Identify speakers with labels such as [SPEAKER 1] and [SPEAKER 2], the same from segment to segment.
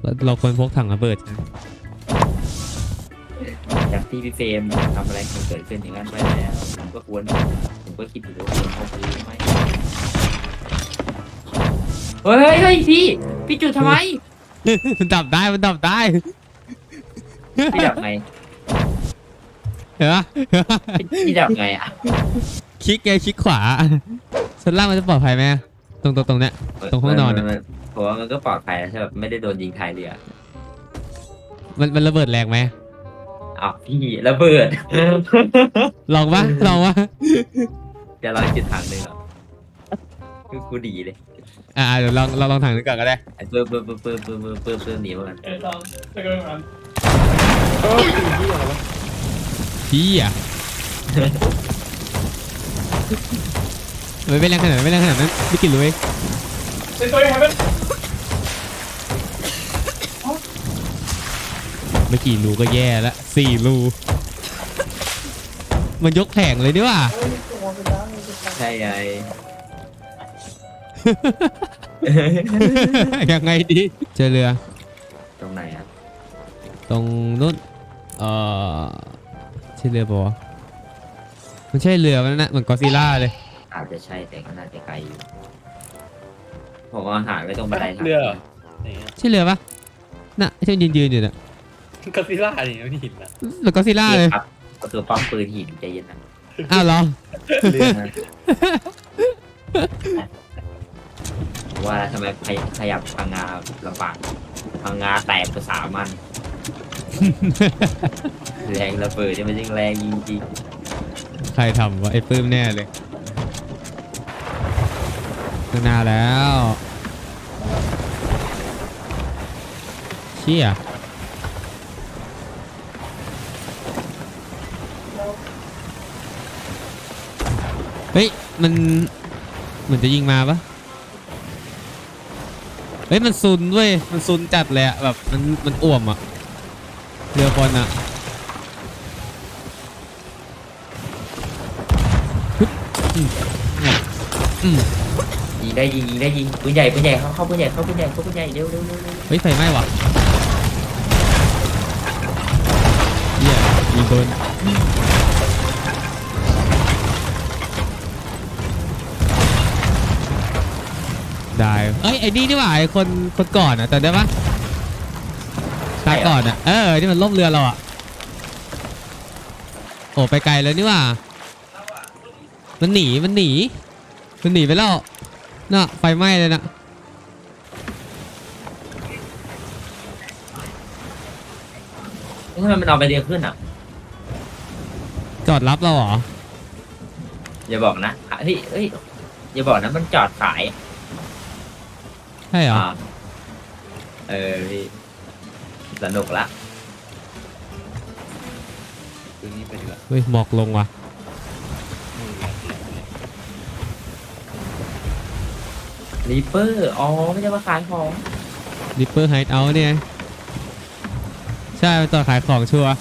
[SPEAKER 1] เราควรพกถังระเบิด
[SPEAKER 2] จากที่พี่เฟรมทำอะไรมันเกิดขึ้นอย่างนั้นไปแล้วผมก็คิดอยู่ว่าควรพกปืนไหมเฮ้ยพี่จุดทำไม
[SPEAKER 1] มันดับได้มันดับได้
[SPEAKER 2] พี่ดับไง
[SPEAKER 1] เห็นปะ
[SPEAKER 2] พี่ดับไงอ่ะ
[SPEAKER 1] คลิกไงคลิกขวาชั้นล่างมันจะปลอดภัยไหมตรงเนี้ย ตรงห้องนอนเนี่ย
[SPEAKER 2] ผมว่ามันก็ปลอดภัยนะใช่แบบไม่ได้โดนยิงท้ายเรือ
[SPEAKER 1] มันระเบิดแรงไหม
[SPEAKER 2] อ้าวพี่ระเบิด
[SPEAKER 1] ลองปะ
[SPEAKER 2] จะลองจุดถังหนึ่งเหรอคือกูดีเลย
[SPEAKER 1] เดี๋ยวลองถังนึงก่อนก็ได้
[SPEAKER 2] ไอ้เพิ่มหนีมากัน
[SPEAKER 1] พี่อ่ะไม่แรงขนาดนั้นไม่กินเลยไม่กี่รูก็แย่แล้ว4 รูมันยกแผงเลยดิว่ะ
[SPEAKER 2] ใช่ไง
[SPEAKER 1] ยังไงดีเจอเรือ
[SPEAKER 2] ตรงไหนอ่ะ
[SPEAKER 1] ตรงนู้นใช่เรือปะวะมันใช่เรือมันนะเหมือนกอซิล่าเลย
[SPEAKER 2] อาจจะใช่แต่ก็น่าจะไกลอยู่ผมเอาอาหารไว้ตรงบันไดทาง
[SPEAKER 3] เรือเหรอ
[SPEAKER 1] ใช่เรือปะน่ะที่มันยืนอยู่น่ะ
[SPEAKER 3] ก็ซิล่านี่ไม่หินนะ
[SPEAKER 1] เหมือนกอซิล่าเลย
[SPEAKER 2] ครับก็คือป้อมปืนหินใจเย็นนะ
[SPEAKER 1] อ้าวเหรอ
[SPEAKER 2] เรือนะว่าทำไมขยับพังงาลำบากพังงาแตกภาษามัน แรงระเบิดเนี่ยมันยิ่งแรงจริง
[SPEAKER 1] ใครทำวะไอ้ปื้มแน่เลยข้างหน้าแล้วเชี่ยเฮ้ยมันเหมือนจะยิงมาปะเฮ้ยมันซุนเว้ยมันซุนจัดเลยอะแบบมันอ่วมอะเรือบอลอะ
[SPEAKER 2] ๆยิงได้ยิงปืนใหญ่เข้าปืนใหญ่เร็ว
[SPEAKER 1] เฮ้ยไฟไหม้ว่ะเหี้ยยิงโดนได้เอ้ยไอ้นี่นี่หว่าไอ้คนก่อนอะแต่ได้ปะตาก่อนอะที่มันล่มเรือเราอะโอ้ไปไกลแล้วนี่หว่ามันหนีไปแล้วน่ะไฟไหม้เลยนะ
[SPEAKER 2] ทำไมมันเอาไปเรียงขึ้นอ่ะ
[SPEAKER 1] จอดรับเราเหรอ
[SPEAKER 2] อย่าบอกนะเฮ้ยอย่าบอกนะมันจอดขาย
[SPEAKER 1] ใช่เหรอ
[SPEAKER 2] พี่สนุกละ
[SPEAKER 3] ตัวนี้ไปดีกว่า
[SPEAKER 1] เฮ้ยหมอกลงว่ะ
[SPEAKER 2] รีเปอร์อ๋อไม่ใช่ว่าขายของ
[SPEAKER 1] ริปเปอร์ไฮท์เอาท์เนี่ยใช่เป็นตัวขายของชัวร์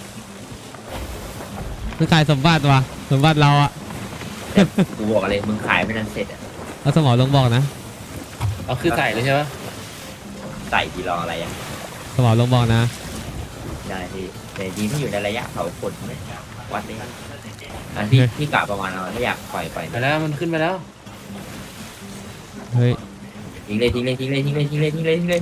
[SPEAKER 1] มันขายสมบัติว่ะสมบัติเราอะ
[SPEAKER 2] แต่กูบอกอะไรมึงขายไม่ทันเสร็จอ่ะ
[SPEAKER 1] เอาสมอลงบอกนะ
[SPEAKER 3] เอาคือใส่เลยใช่ปะ
[SPEAKER 2] ใส่ทีรออะไรอ่ะ
[SPEAKER 1] สมอลงบอกนะ
[SPEAKER 2] ได้พี่แต่ดีที่อยู่ในระยะเผาขนไม่วัดเลยอันที่กะประมาณเราถ้าอยากปล่อย
[SPEAKER 3] ไปแล้วมันขึ้นไปแล้ว
[SPEAKER 1] เฮ้ย
[SPEAKER 2] ทิ้งเลย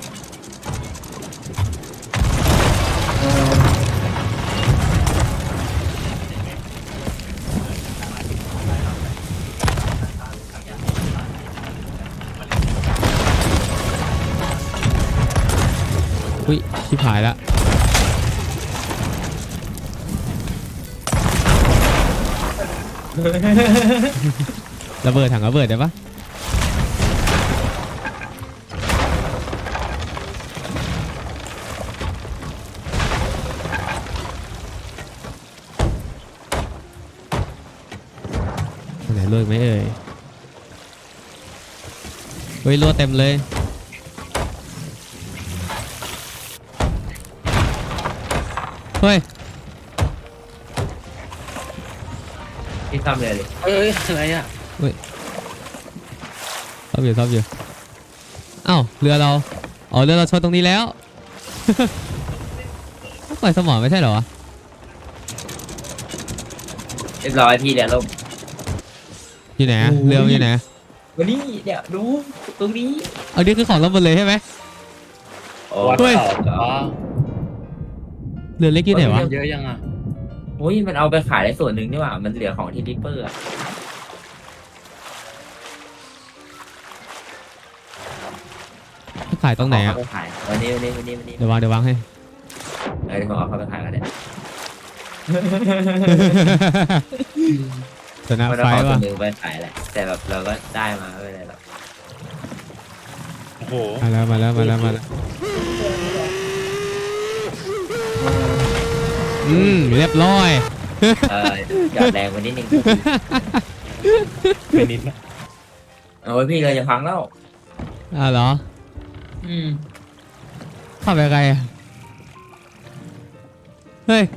[SPEAKER 1] อุ้ยชิบหายละระเบิดถังระเบิดได้ปะไหนเลิกไหมเอ่ยเฮ้ยรั่วเต็มเลยเฮ้ย
[SPEAKER 2] ที่ทำเลย
[SPEAKER 3] เอ้ยอะไรอ่ะ
[SPEAKER 1] ซ่อมอยู่อ้าวเรือเราอ๋อเรือเราชนตรงนี้แล้ว ต้องปล่อยสมอไม่ใช่เหรอวะ
[SPEAKER 2] เรียบร้อยพี่เรือล่ม
[SPEAKER 1] อยู่ไหนอะเรือมันอยู่ไหน
[SPEAKER 2] วันนี้เดี๋ยวดูตรงนี้
[SPEAKER 1] เอานี่คือของเราหมดเลยใช่ไหม
[SPEAKER 2] โอ้
[SPEAKER 3] วัด
[SPEAKER 1] เฮ้ย
[SPEAKER 3] ต่ออ๋อ
[SPEAKER 1] เรือเล็กอยู่ไหนวะ
[SPEAKER 3] เยอะยังอ่ะ
[SPEAKER 2] โอ้ยมันเอาไปขายได้ส่วนหนึ่งนี่หว่ามันเหลือของที่ริปเปอร์อะ
[SPEAKER 1] ขายตรงไหนอะ
[SPEAKER 2] เอาไปขายวันนี้
[SPEAKER 1] เดี๋ยววางให้
[SPEAKER 2] เดี๋ยวผมเอาเข้าไปขายกันเนี่ย
[SPEAKER 1] ชนะ
[SPEAKER 2] มัน
[SPEAKER 1] ไฟ
[SPEAKER 2] เอาของส่ว
[SPEAKER 1] ว่ะ
[SPEAKER 2] นหนึ่งไปขายแหละแต่แบบเราก็ได้มาไม่เป็นไรหรอก
[SPEAKER 3] โอ้โห
[SPEAKER 1] มาแล้วเรียบร้อย
[SPEAKER 2] หยอดแรงไปนิดนึง
[SPEAKER 3] เป็นนิดนะ
[SPEAKER 2] โอ้ยพี่เราจะพังแล้ว
[SPEAKER 1] เหรอ
[SPEAKER 2] อืม
[SPEAKER 1] ขับไปไกลอะเฮ้ย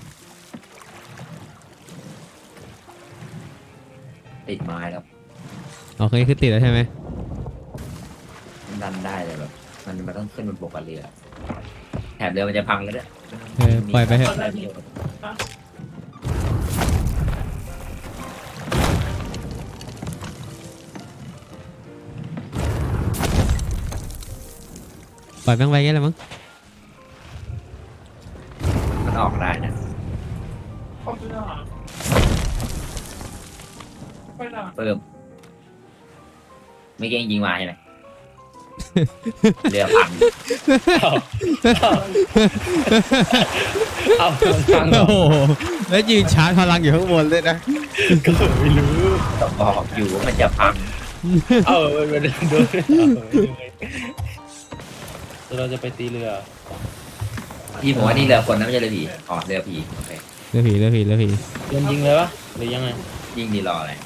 [SPEAKER 2] ติดไม้แล้ว
[SPEAKER 1] โอเคคือติดแล้วใช่ไหม
[SPEAKER 2] มันดันได้เลยแบบมันต้องขึ้นบนบกกับเรือแถบเรือมันจะพังแล้วเนี่ย
[SPEAKER 1] ปล่อยไปเถอะปล่อยแม่งไปงั้นแหละมั้ง
[SPEAKER 2] มันออกได้นะเพิ่มไม่เก่งยิงมาใช่ไหม เรือพัง
[SPEAKER 3] เอาฟังเหร
[SPEAKER 1] โอ้
[SPEAKER 3] อ
[SPEAKER 1] โหแล้วยืนชาร์จพลังอยู่ข้างบนเลยนะ
[SPEAKER 3] ก็ไม่รู้
[SPEAKER 2] ต้องบอกอยู่ว่ามันจะพัง
[SPEAKER 3] เอาไปดูเราจะไปตีเรือ
[SPEAKER 2] พี่ผมว่านี่เรือคนนะไม่ใช่เรือผีอ๋อเรือผีโอเค
[SPEAKER 1] เรือผี
[SPEAKER 3] โดนยิงเลยวะหรือยังไง
[SPEAKER 2] ยิงดีรออะไร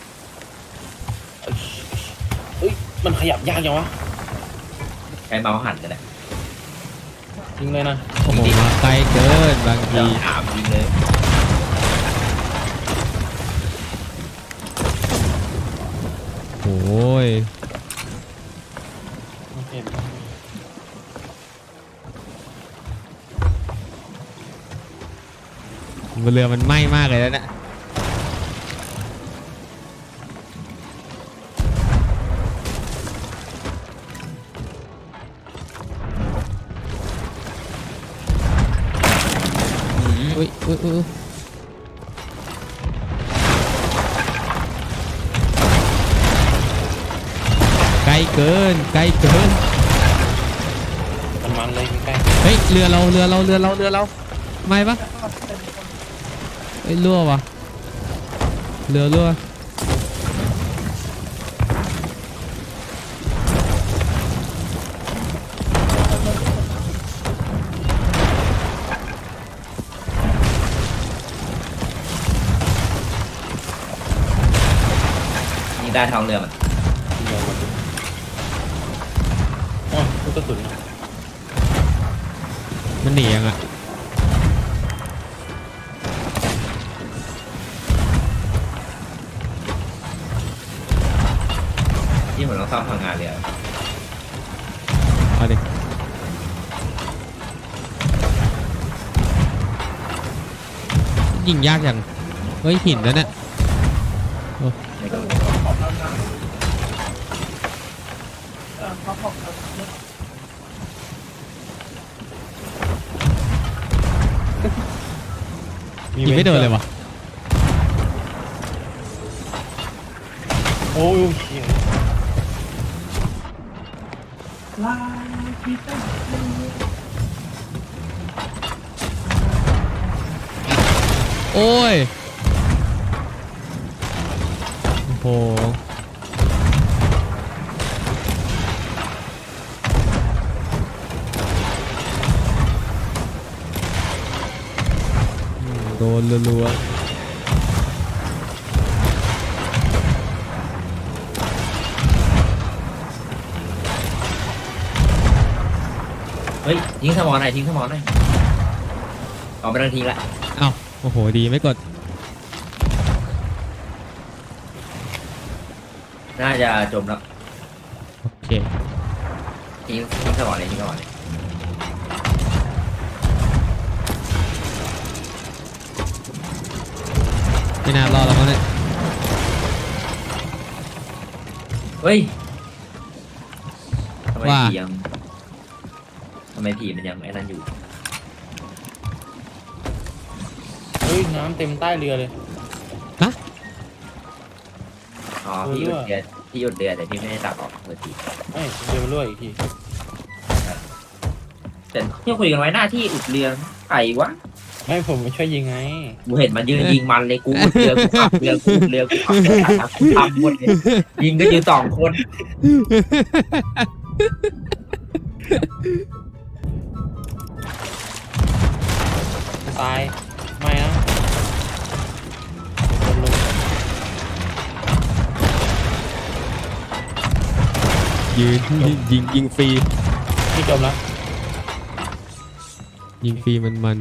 [SPEAKER 3] เอ้ยมันขยับยากจังวะ
[SPEAKER 2] ใช้เมาส์หันกันแหละ
[SPEAKER 3] ยิงเลยนะ
[SPEAKER 1] โอ้โหมาไกลเกินบางที
[SPEAKER 2] เราถามยิงเลย
[SPEAKER 1] โอ้ย
[SPEAKER 3] โอเค
[SPEAKER 1] เรือมันไหม้มากเลยแล้วนะอุ้ยไกลเกิน
[SPEAKER 3] มันเลยใกล้
[SPEAKER 1] เฮ้ยเรือเราไม่ปะเฮ้ยรั่ววะเรือรั่ว
[SPEAKER 2] ยิงได้ท้องเรือมัน
[SPEAKER 3] เรือมันอ๋อลูกกระสุนนะ
[SPEAKER 1] มันหนียังอ่ะ
[SPEAKER 2] ที่ผมต้องซ่อมพลังงานเรือ
[SPEAKER 1] เอาดิยิงยากจังเฮ้ยหินแล้วเนี่ย
[SPEAKER 2] ไม่ต้อง
[SPEAKER 1] ยิงไม่โดนเลยวะ
[SPEAKER 3] โอ้ยเหี้ย
[SPEAKER 1] โอ้ยโอ้โหโดนรัว
[SPEAKER 2] เฮ้ยทิ้งสมอหน่อยออกไปทางทิ้งละ
[SPEAKER 1] ๆเอ้าโอ้โหดีไม่กด
[SPEAKER 2] น่าจะจมแล้ว
[SPEAKER 1] โอเค
[SPEAKER 2] ทิ้งสมองเลยทิ้งสมองเลย
[SPEAKER 1] ไม่น่ารอดแล้วมั้งเนี่ย
[SPEAKER 2] เฮ้ยทำไมผียังทำไมผีมันยังไอ้นั่นอยู่
[SPEAKER 3] เฮ้ยน้ำเต็มใต้เรือเลย
[SPEAKER 2] อ๋อพี่หยุดเดือนพี่หยุดเดือนแต่พี่ไม่ได้ตักออกเลยที
[SPEAKER 3] ไม่เรือมันรั่วอีกที
[SPEAKER 2] แต่ที่คุยกันไว้หน้าที่อุดเรือไก่วะ
[SPEAKER 3] ไม่ผมมาช่วยยิงไง
[SPEAKER 2] กูเห็นมันยืนยิงมันเลยกูอุดเรือกูขับเรือกูอุดเรือกูขับเรือกูทำหมดเลยยิงก็ยืน2 คน
[SPEAKER 3] ตายไม่นะโดนลง
[SPEAKER 1] ยืนยิงฟรี
[SPEAKER 3] พี่จมแล้ว
[SPEAKER 1] ยิงฟรีมัน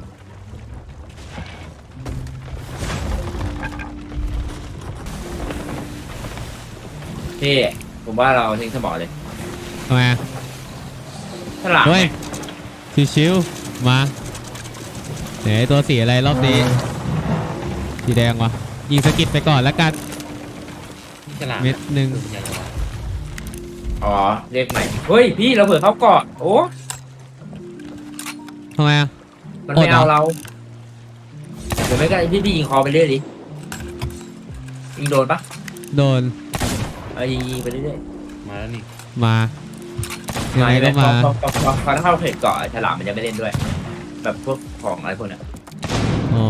[SPEAKER 2] พี่ผมว่าเราทิ้งสมองเลย
[SPEAKER 1] ทำไมอะ
[SPEAKER 2] ฉลาม
[SPEAKER 1] เฮ้ยชิวๆมาไหนตัวสีอะไรรอบนี้สีแดงวะยิงสกิดไปก่อนแล้วกัน
[SPEAKER 3] พี่ฉลาม
[SPEAKER 1] เม็ดหนึ่ง
[SPEAKER 2] อ๋อเรียกใหม่เฮ้ยพี่เราเผื่อเขาเกาะโอ้
[SPEAKER 1] ทำไมอ่ะ
[SPEAKER 2] มันไม่เอาเราเดี๋ยวไม่ก็พี่ยิงคอไปเรื่อยดิยิงโดนปะ
[SPEAKER 1] โดน
[SPEAKER 2] ยิงไปเรื่อย
[SPEAKER 3] มาแล้วนี่
[SPEAKER 1] มายัง
[SPEAKER 2] ๆ
[SPEAKER 1] ไงก็มา
[SPEAKER 2] พอเข้าเขตเกาะฉลามมันจะไม่เล่นด้วย แบบพวกของอะไรพวกเนี้ย
[SPEAKER 1] อ๋อ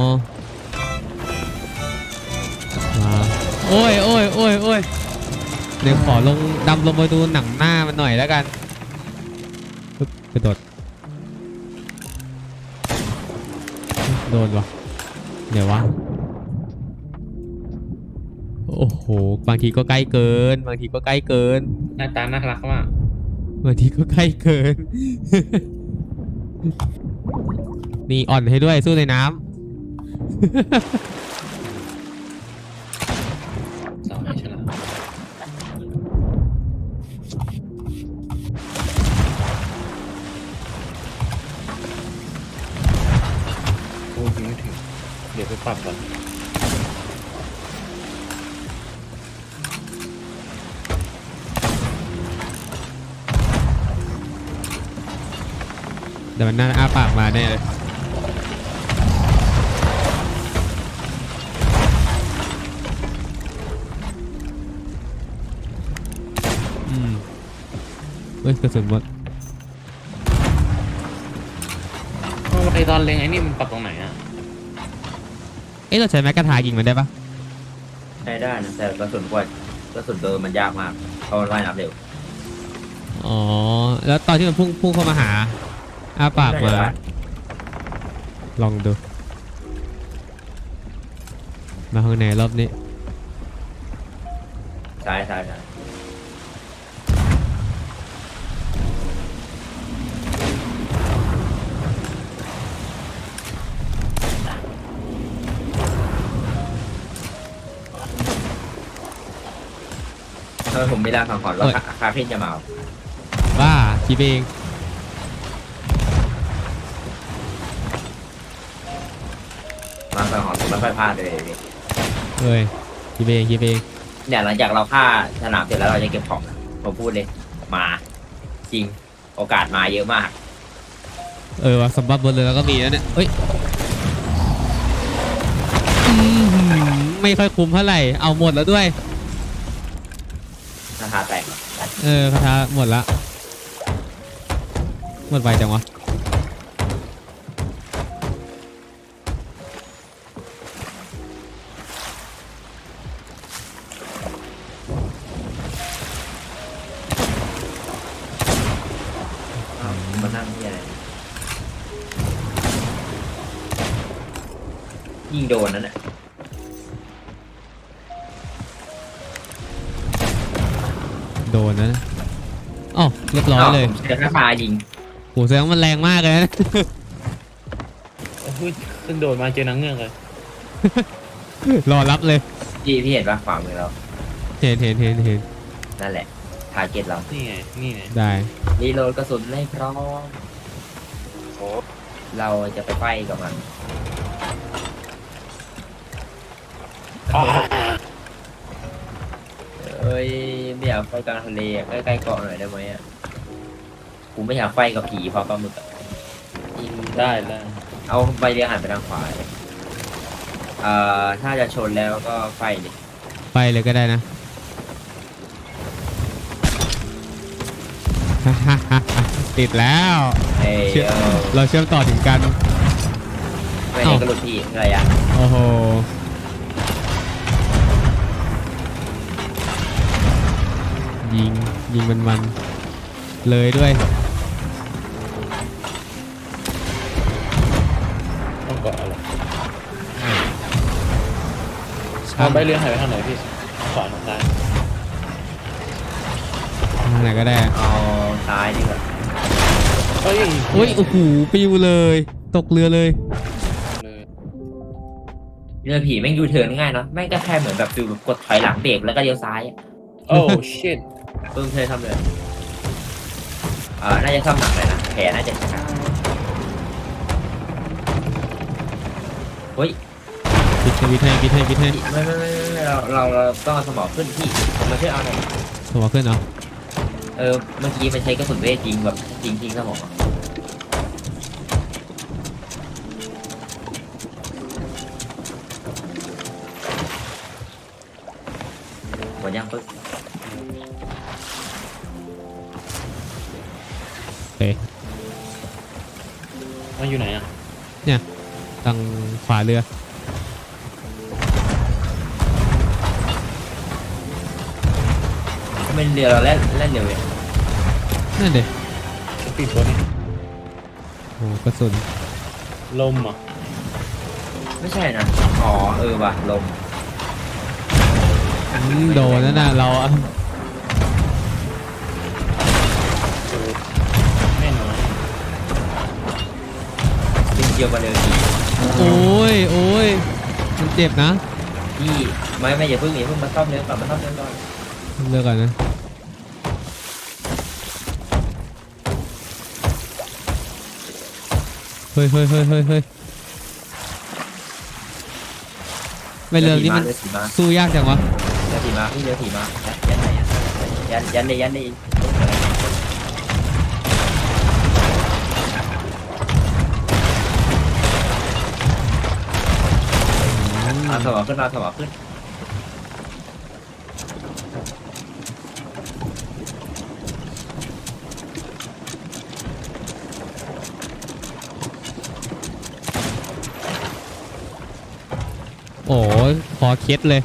[SPEAKER 1] มาโอ้ยเดี๋ยวขอดำลงไปดูหนังหน้ามันหน่อยแล้วกันปึ๊บกระโดดโดนวะเดี๋ยววะโอ้โหบางทีก็ใกล้เกินบางทีก็ใกล้เกิน
[SPEAKER 3] หน้าตาน่ารักมาก
[SPEAKER 1] บางทีก็ใกล้เกิน นี่อ่อนให้ด้วยสู้ในน้
[SPEAKER 3] สาวให้ฉลามโอ้ยไม่ถึงเดี๋ยวไปปรับก่อน
[SPEAKER 1] ำแต่มันน่าอ้าปากมาแน่เลยเฮ้ยกระสุนหมด
[SPEAKER 3] ไอตอนเล็งไอ้นี่มันปรับตรงไหนอ่ะ
[SPEAKER 1] เอ๊ะเราใช้แม็กกาทายิงมันได้ปะ
[SPEAKER 2] ใช้ได้นะแต่กระสุนโดนมันยากมากเพราะมันว่ายน้ำเร็ว
[SPEAKER 1] อ๋อแล้วตอนที่มันพุ่งเข้ามาหาอ้าปากมาลองดูมาข้างในรอบนี้
[SPEAKER 2] ใช่ทำไมผมไม่ลาสังหรณ์ว่าคาเฟ่จะมา
[SPEAKER 1] บ้าคิดเอง
[SPEAKER 2] มาสังหรณ์ผมไม่ค่อยพลาดเลย
[SPEAKER 1] เฮ้ยคิดเอง
[SPEAKER 2] เนี่ยหลังจากเราฆ่าสนามเสร็จแล้วเราจะเก็บของนะผมพูดเลยมาจริงโอกาสมาเยอะมาก
[SPEAKER 1] ว่ะสมบัติบนเรือแล้วก็มีแล้วเนี่ยเฮ้ยอื้อหือไม่ค่อยคุ้มเท่าไหร่เอาหมดแล้วด้วย
[SPEAKER 2] ราคาแตก
[SPEAKER 1] คาถาหมดละหมดไปจังวะ
[SPEAKER 2] มานั่งที่อะไรยิงโดนนั่นแหละ
[SPEAKER 1] โดนนะอ๋อเรียบร้อยเลย
[SPEAKER 2] ผมใช้ราคายิง
[SPEAKER 1] โหแสดงว่ามันแรงมากเลยนะ
[SPEAKER 3] โอ้ยขึ้นโดดมาเจอนังเงือกเลย
[SPEAKER 1] รอรับเลย
[SPEAKER 2] พี่เห็นปะขวามือเรา
[SPEAKER 1] เห็น
[SPEAKER 2] นั่นแหละทาร์เก็ตเรา
[SPEAKER 3] นี่ไงนี่ไง
[SPEAKER 1] ได้
[SPEAKER 2] รีโหลดกระสุนให้พร้อม
[SPEAKER 4] โอ้
[SPEAKER 2] เราจะไปไฟกับมัน
[SPEAKER 3] อ๋อ
[SPEAKER 2] เอ้ยไม่อยากไฟกลางทะเลอะใกล้ๆเกาะหน่อยได้ไหมอ่ะกูไม่อยากไฟกับผีเพราะปลาหมึกอะยิง
[SPEAKER 3] ได้ได้
[SPEAKER 2] เอาใบเรือหันไปทางขวาเลยถ้าจะชนแล้วก็ไฟดิ
[SPEAKER 1] ไปเลยก็ได้นะ ติดแล้ว
[SPEAKER 2] เอ้ย
[SPEAKER 1] เชื่อ เราเชื่อมต่อถึงกัน
[SPEAKER 2] ไม่ได้กระโดดพี่อะไรอ่ะ
[SPEAKER 1] โอ้โห ยิงมันเลยด้วย
[SPEAKER 3] ต้องเกาะอะไรเอาใบเรือหายไปทางไหนพี่ทางขวาทางซ้าย
[SPEAKER 1] ทางไหนก็ได้
[SPEAKER 2] เอาซ้ายดีกว่า
[SPEAKER 3] เฮ้ย
[SPEAKER 1] อุ้ยโอ้โหปิวเลย ตกเรือเลย
[SPEAKER 3] เลย
[SPEAKER 2] เรือผีแม่งยูเทิร์นง่ายเนาะแม่งก็แค่เหมือนแบบฟิลแบบกดถอยหลังเบรกแล้วก็เลี้ยวซ้ายอะ
[SPEAKER 3] โอ้ชิต
[SPEAKER 2] เพิ่งเคยทำเลยน่าจะซ่อมหนักเลยนะแผลน่าจะชะกันเฮ้ย
[SPEAKER 1] ปิดให้
[SPEAKER 2] ไม่เราต้องเอาสมองขึ้นพี่มาช่วยเอาหน่อย
[SPEAKER 1] สมองขึ้นเนาะ
[SPEAKER 2] เมื่อกี้มันใช้กระสุนเวทยิงแบบยิงสมองอะหมดยังปึ๊บ
[SPEAKER 1] โอเค
[SPEAKER 3] มันอยู่ไหนอ่ะ
[SPEAKER 1] ทางขวาเรือ
[SPEAKER 2] เป็นเรือเราเล่นเร็วเลย
[SPEAKER 1] นั่นเด็
[SPEAKER 3] จะปิดตัวนี้
[SPEAKER 1] โอ้กระสุน
[SPEAKER 3] ลมอ่ะ
[SPEAKER 2] ไม่ใช่นะอ๋อว่ะลม
[SPEAKER 1] โดนนั่นน่ะเราอะ
[SPEAKER 3] แม่นอน
[SPEAKER 2] จริงเดียวมาเลยพี่
[SPEAKER 1] โอ้ยมันเจ็บนะ
[SPEAKER 2] พี่ไม่อย่าเพิ่งมาซ่อมเรือก่อนมาซ่อมเรือก่อน
[SPEAKER 1] เลือกก่อนนะเฮ้ยไม่เรื่องนี้มัน
[SPEAKER 2] เรือผีมา
[SPEAKER 1] สู้ยากจังวะ
[SPEAKER 2] เรือผีมาพี่เรือผีมายันไหนยันเลยเอาสมองขึ้นมาสมองขึ้น
[SPEAKER 1] โอ้ยคอเคล็ดเลย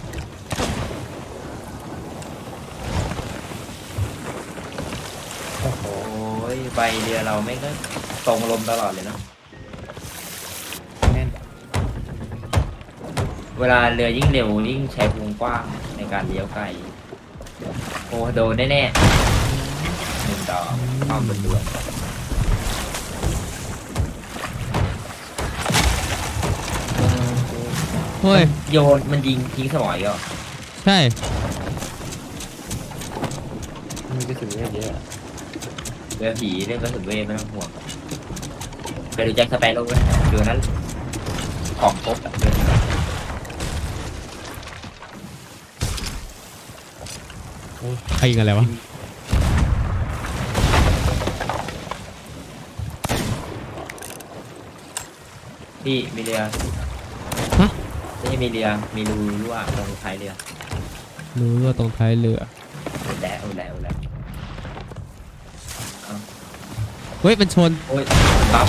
[SPEAKER 3] โอ้โห
[SPEAKER 2] โอ้ยใบเรือเราไม่ก็ตรงลมตลอดเลยเนาะ
[SPEAKER 3] แม่น
[SPEAKER 2] เวลาเรือยิ่งเร็วยิ่งใช้วงกว้างในการเลี้ยวไกลโอ้โดนแน่ๆ1 ดอกความบนดวง
[SPEAKER 1] เฮ้ย
[SPEAKER 2] โยนมันยิงทิ้งสมองอีกแล้ว
[SPEAKER 1] ใช่
[SPEAKER 3] มันจะถึงเยอะเยอะ
[SPEAKER 2] เรือผีเรื่องกระสุนเวทไม่ต้องห่วงไปดูแจ็คสเปโร่ไหมเรือนั้นของครบอะเรือผี
[SPEAKER 1] ใครยิงอะไรวะ
[SPEAKER 2] พี่มีเรือ
[SPEAKER 1] ฮะ
[SPEAKER 2] ไม่ใช่มีเรือมีรูรั่วตรงท้ายเรือ
[SPEAKER 1] รู้ว่าตรงท้ายเรือ
[SPEAKER 2] อุดแล้ว
[SPEAKER 1] เฮ้ยมันชน
[SPEAKER 2] โอ้ยปั๊บ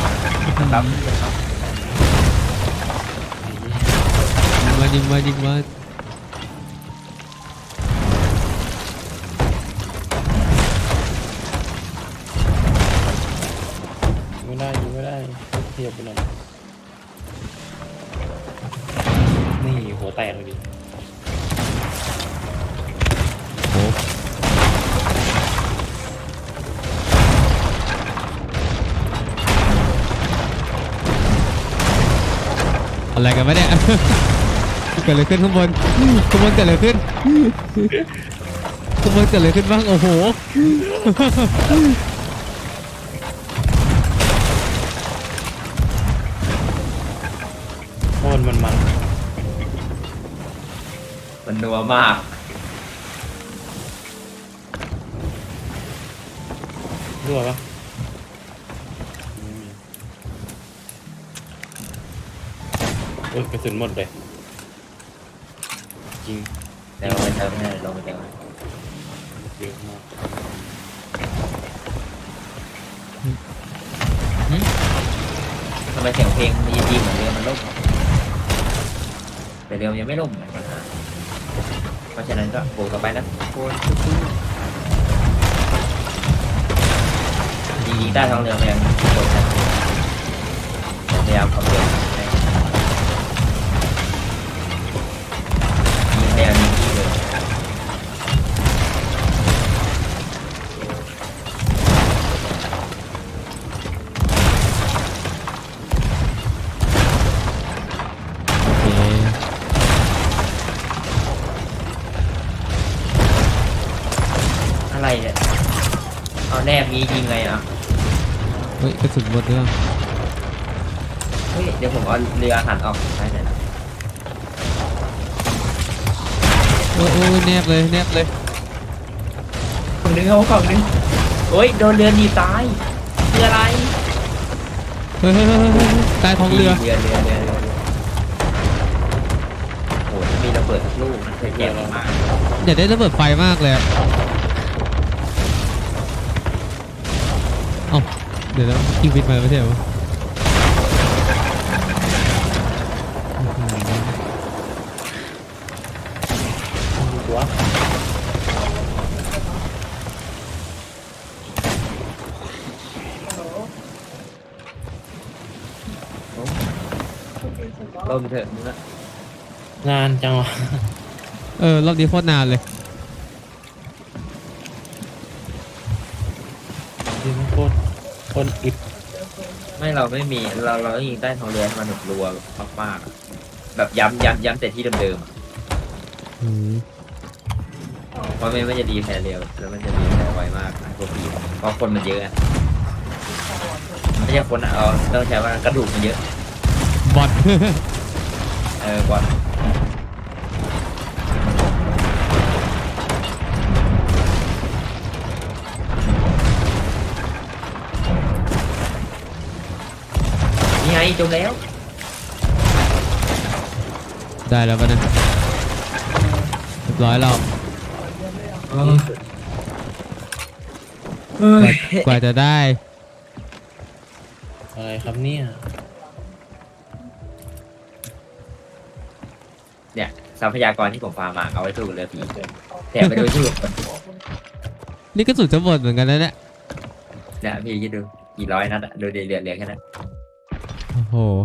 [SPEAKER 1] ยิงมา
[SPEAKER 3] ไม่ได้เทียบไปหน่อยนี่หัวแตกเลยดิ
[SPEAKER 1] โอ้อะไรกันวะเนี่ย เกิดอะไรขึ้นข้างบนเกิดอะไรขึ้นขโมยเกิดอะไรขึ้นบ้างโอ้โห
[SPEAKER 3] โอนมัน
[SPEAKER 2] มันนัวมาก
[SPEAKER 3] รั่วปะโอ้ยกระสุนหมดเลยจริง
[SPEAKER 2] เดี๋ยวลงไปเติมให้ลงไปเติม
[SPEAKER 3] เยอะมาก
[SPEAKER 2] ทำไมเสียงเพลงมันดีเหมือนเรือมันล่มแต่เรือมันยังไม่ล่มเหมือนกันนะเพราะฉะนั้นก็บวกต่อไปนะโคนจริงๆใต้ท้องเรือมันยังกดนะพยายามขับเรือให้ยิงแนวนี้ที่เลย
[SPEAKER 1] โอเค
[SPEAKER 2] อะไรเนี่ยเอาแนบนี้ยิงไงอ่ะ
[SPEAKER 1] เฮ้ยกระสุนหมดเรื่อง
[SPEAKER 2] เฮ้ยเดี๋ยวผมเอาเรือหันออกซ้ายหน่อยนะ
[SPEAKER 1] โอ้ยโอ้ยแนบเลยแนบเลย
[SPEAKER 2] ฝั่งนึงเอาฝั่งนึงโอ้ยโดนเรือหนีตายคืออะไร
[SPEAKER 1] เฮ้ยเฮ้ยเฮ้ยเฮ้ยใต้ท้องเรือ
[SPEAKER 2] เรือโอ้ยมีระเบิดสักลูกมันเคยแย่มาก
[SPEAKER 1] อยากได้ระเบิดไฟมากเลยอะเอ้าเดี๋ยวนะยิงบินมาไม่ใช่เหรอ
[SPEAKER 3] ตัว
[SPEAKER 2] ล่มเถอะมึงอะ
[SPEAKER 3] นานจังวะ
[SPEAKER 1] รอบนี้โคตรนานเลย
[SPEAKER 3] จริงโคตรอิด
[SPEAKER 2] ไม่เราไม่มีเราต้องยิงใต้ท้องเรือให้มันหนุกรัวมากๆอะแบบย้ำแต่ที่เดิมๆอะ
[SPEAKER 1] อืม
[SPEAKER 2] เพราะไม่มันจะดีแพ้เร็วแล้วมันจะดีแพ้ไวมากพวกผีเพราะคนมันเยอะอะไม่ใช่คนอะเอาต้องใช้ว่ากระดูกมันเยอะ
[SPEAKER 1] บอท
[SPEAKER 2] บอลนี่ไงจมแล้ว
[SPEAKER 1] ได้แล้วปะเนะเรียบร้อยแล้วกว่าจะได้
[SPEAKER 3] อะไรครับเนี่ย
[SPEAKER 2] เนี่ยทรัพยากรที่ผมฟาร์มมาเอาไว้สู้กับเรือผีแต่ไปดูชื่อคน
[SPEAKER 1] นี่กระสุนจะหมดเหมือนกันนะเนี่ย
[SPEAKER 2] เนี่ยพี่คิดดูกี่ร้อยนัดอะดูเดือดแค่นั้น
[SPEAKER 1] โอ้โห